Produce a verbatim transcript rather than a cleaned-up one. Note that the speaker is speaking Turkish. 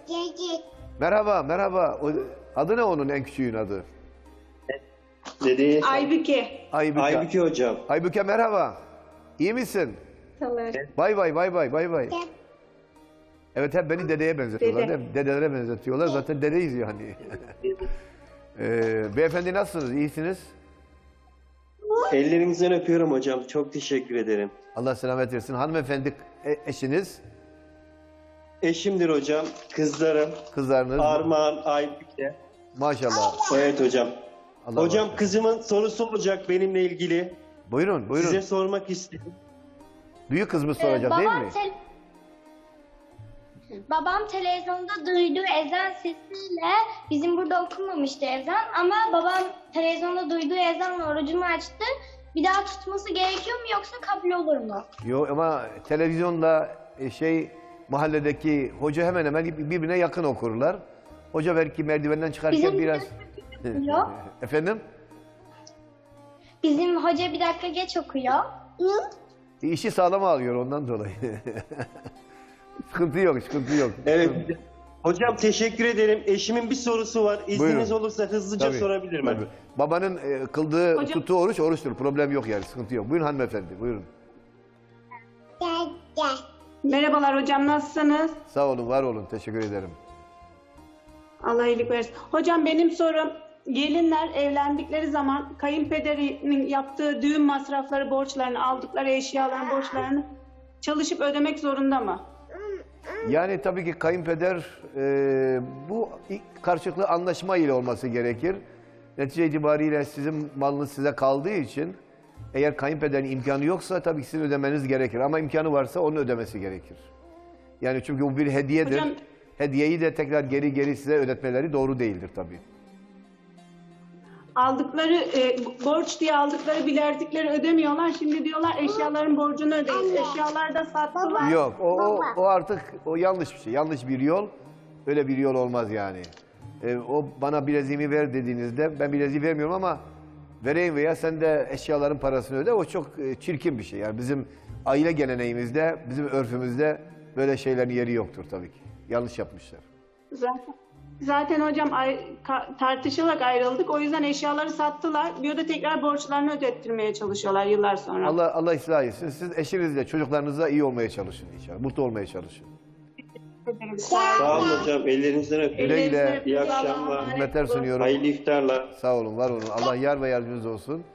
Merhaba, merhaba. O- Adı ne onun en küçüğün adı? Dedeye Aybüke. Aybüke. Aybüke hocam. Aybüke merhaba. İyi misin? Kalır. Bay bay bay bay bay bay. Evet hep beni dedeye benzetiyorlar. Dede. Değil mi? Dedelere benzetiyorlar. Zaten dedeyiz yani. ee, beyefendi nasılsınız? İyisiniz? Ellerinizden öpüyorum hocam. Çok teşekkür ederim. Allah selamet versin. Hanımefendi e- eşiniz, Eşimdir hocam. Kızlarım. kızlarınız. Armağan, Aybüke. Maşallah. Evet hocam. Allah Hocam bağışlasın. kızımın sorusu olacak benimle ilgili. Buyurun buyurun. Size sormak istedim. Büyük kızımız soracak değil mi? te- babam televizyonda duyduğu ezan sesiyle bizim burada okunmamıştı ezan ama babam televizyonda duyduğu ezanla orucunu açtı. Bir daha tutması gerekiyor mu yoksa kabul olur mu? Yok ama televizyonda e, şey mahalledeki hoca hemen hemen birbirine yakın okurlar. Hoca belki merdivenden çıkarken Bizim biraz... Yok. Efendim? Bizim hoca bir dakika geç okuyor. E, İşi sağlama alıyor ondan dolayı. Sıkıntı yok, sıkıntı yok. Evet. Hocam teşekkür ederim. Eşimin bir sorusu var. İzniniz Buyurun. olursa hızlıca Tabii, sorabilir miyim? tabii. Babanın e, kıldığı Hocam- tuttuğu oruç oruçtur. Problem yok yani, sıkıntı yok. Buyurun hanımefendi, buyurun. Merhabalar hocam, nasılsınız? Sağ olun, var olun. Teşekkür ederim. Allah iyilik versin. Hocam benim sorum, gelinler evlendikleri zaman kayınpederinin yaptığı düğün masrafları, borçlarını, aldıkları eşyaların borçlarını çalışıp ödemek zorunda mı? Yani tabii ki kayınpeder e, bu karşılıklı anlaşma ile olması gerekir. Netice itibariyle sizin malınız size kaldığı için eğer kayınpederin imkanı yoksa tabii ki sizin ödemeniz gerekir. Ama imkanı varsa onun ödemesi gerekir. Yani çünkü bu bir hediyedir. Hocam- Hediyeyi de tekrar geri geri size ödetmeleri doğru değildir tabii. Aldıkları, e, borç diye aldıkları bilerdikleri ödemiyorlar. Şimdi diyorlar eşyaların borcunu ödeyin. Eşyalar da sattılar. Yok o, o, o artık o yanlış bir şey. Yanlış bir yol. Öyle bir yol olmaz yani. E, o bana bileziğimi ver dediğinizde ben bileziği vermiyorum ama vereyim veya sen de eşyaların parasını öde. O çok e, çirkin bir şey. Yani bizim aile geleneğimizde, bizim örfümüzde böyle şeylerin yeri yoktur tabii ki. Yanlış yapmışlar. Zaten, zaten hocam ay, ka- tartışarak ayrıldık. O yüzden eşyaları sattılar. Bir de tekrar borçlarını ödettirmeye çalışıyorlar yıllar sonra. Allah Allah ıslah etsin. Siz eşinizle, çocuklarınızla iyi olmaya çalışın inşallah. Mutlu olmaya çalışın. Sağ olun hocam. Ellerinizden öpüyorum. Güle güle. Ellerinizden İyi öpüyorum. akşamlar. Allah'a emanet Hizmetler olun. sunuyorum. Hayırlı iftarlar. Sağ olun, var olun. Allah yar ve yardımcınız olsun.